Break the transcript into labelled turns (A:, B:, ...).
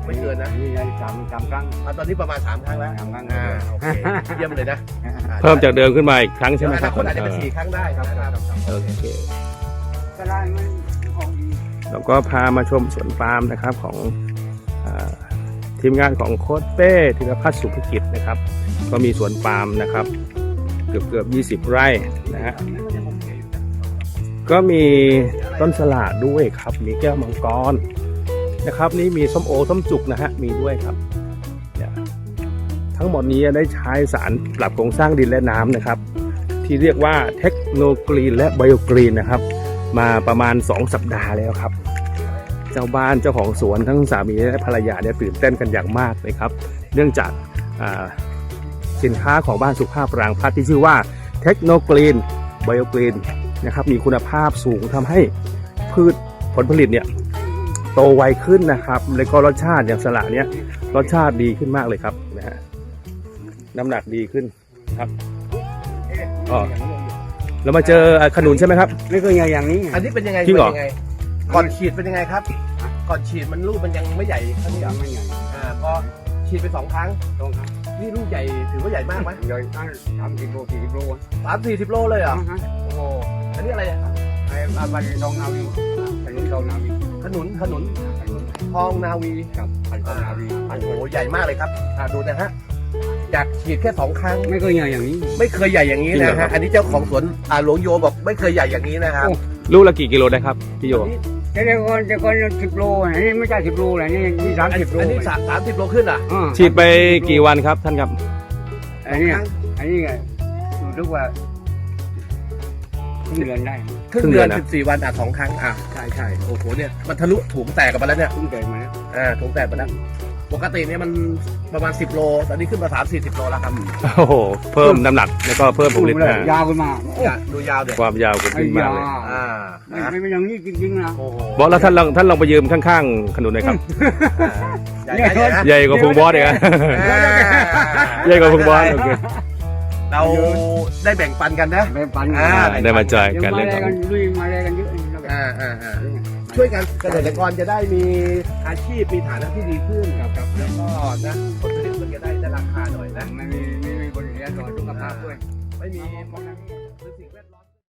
A: ไม่เกินนะ
B: นี่3 ครั้ง
A: ตอนนี้ประมาณ3 ครั้งแล้ว
B: 3 ครั้ง
A: โอเคเยี่ยมเลยนะ
C: เพิ่มจากเดิมขึ้นมาอีกครั้งใช่ไหมครับ
A: คนอาจจะเป็น4 ครั้งได้ครับ
C: โอเค
B: ก็ได้มันของดี
C: เราก็พามาชมสวนปาล์มนะครับของทีมงานของโค้ชเป้ธีรพัฒน์สุภกิจนะครับก็มีสวนปาล์มนะครับเกือบ20 ไร่นะฮะก็มีต้นสละด้วยครับมีแก้วมังกรนะครับนี่มีส้มโอส้มจุกนะฮะมีด้วยครับเนี่ยทั้งหมดนี้ได้ใช้สารปรับโครงสร้างดินและน้ำนะครับที่เรียกว่าเทคโนกรีนและไบโอกรีนนะครับมาประมาณ2 สัปดาห์แล้วครับเจ้าบ้านเจ้าของสวนทั้งสามีและภรรยาเนี่ยตื่นเต้นกันอย่างมากเลยครับเนื่องจากสินค้าของบ้านสุภาพรางพัฒน์ที่ชื่อว่าเทคโนกรีนไบโอกรีนนะครับมีคุณภาพสูงทำให้พืชผลผลิตเนี่ยโตไวขึ้นนะครับแล้วก็รสชาติอย่างสละเนี่ยรสชาติดีขึ้นมากเลยครับนะฮะน้ำหนักดีขึ้นครับอ๋อเรามาเจอขนุนใช่ไหมครับ
B: ไม่เคยอย่างนี้
A: อันนี้เป็นยังไง
C: จริงเหรอ
A: ก่อนฉีดเป็นยังไงครับก่อนฉีดมันลูกมันยังไม่ใหญ่เท่านี้
B: ยังไม่ใหญ่
A: พอฉีดไป2 ครั้ง
B: ตรงครับ
A: นี่ลูกใหญ่ถือว่าใหญ่มากไหม
B: ใหญ่ตั้ง30 โล 40 โล
A: 30-40 โลเลยเหรอโอ้โหอันนี้อะไรอ่ะ
B: ไอ้บ้านทองนาวีถนนทองนาวี
A: ขนุนทองนาวี
B: ครับพันทองนาวี
A: โอ้โหใหญ่มากเลยครับดูนะฮะอยากฉีดแค่2 ครั้ง
B: ไม่เคยอย่างนี้
A: ไม่เคยใหญ่อย่างนี้นะฮะอันนี้เจ้าของสวนหลวงโยบอกไม่เคยใหญ่อย่างนี้นะครับ
C: ลูกละกี่กิโลได้ครับพี่โย
B: แต่ก่อน10 โลอันนี้ไม่ใช่10 โลอันนี้30 โล
A: อันนี้30 โลขึ้นอ่ะ
C: ฉีดไปกี่วันครับท่านครับ
B: อันนี้รู้สึกว่าครึ่งเดือนได้
A: ครึ่งเดือน14 วัน2 ครั้งใช่โอ้โหเนี่ยมันทะลุถุงแตกกันไปแล้วเนี่ย
B: ครึ่งเดือนมาแล้ว
A: ถุงแตกไปแล้วปกติเนี่ยมันประมาณ10 โลตอนนี้ขึ้นมา30-40 โลแล้วครับ
C: โอ้โหเพิ่มน้ำหนักแล้วก็เพิ่มผลผลิต
B: ยาวขึ้นมา
A: ดูยาวเด็ด
C: ความยาวขึ้นมากเลย
B: ไม่เป็นอย่างนี้จริงๆนะ
A: โอ้โห
C: บอสแล้วท่านลองไปยืมข้างๆขนุนหน่อยครับ
A: ใหญ่
C: ใหญ่กว่าพุงบอสเลยนะใหญ่กว่าพุงบอสโอเค
A: เราได้แบ่งปันกันนะ
B: ไปปั่น
C: ได้มาจ่ายกันเรื่องของ
B: ลุยมาเลยกันเยอะ
A: ช่วยกันเกษตรกรจะได้มีอาชีพมีฐานะที่ดีขึ้นครับแล้วก็นะผลผลิตมันจะได้ราคาหน่อยนะ
B: ไม่มีบริเวณต่อสุขภาพด้วย
A: ไม่มีสิ่งแวดล้อม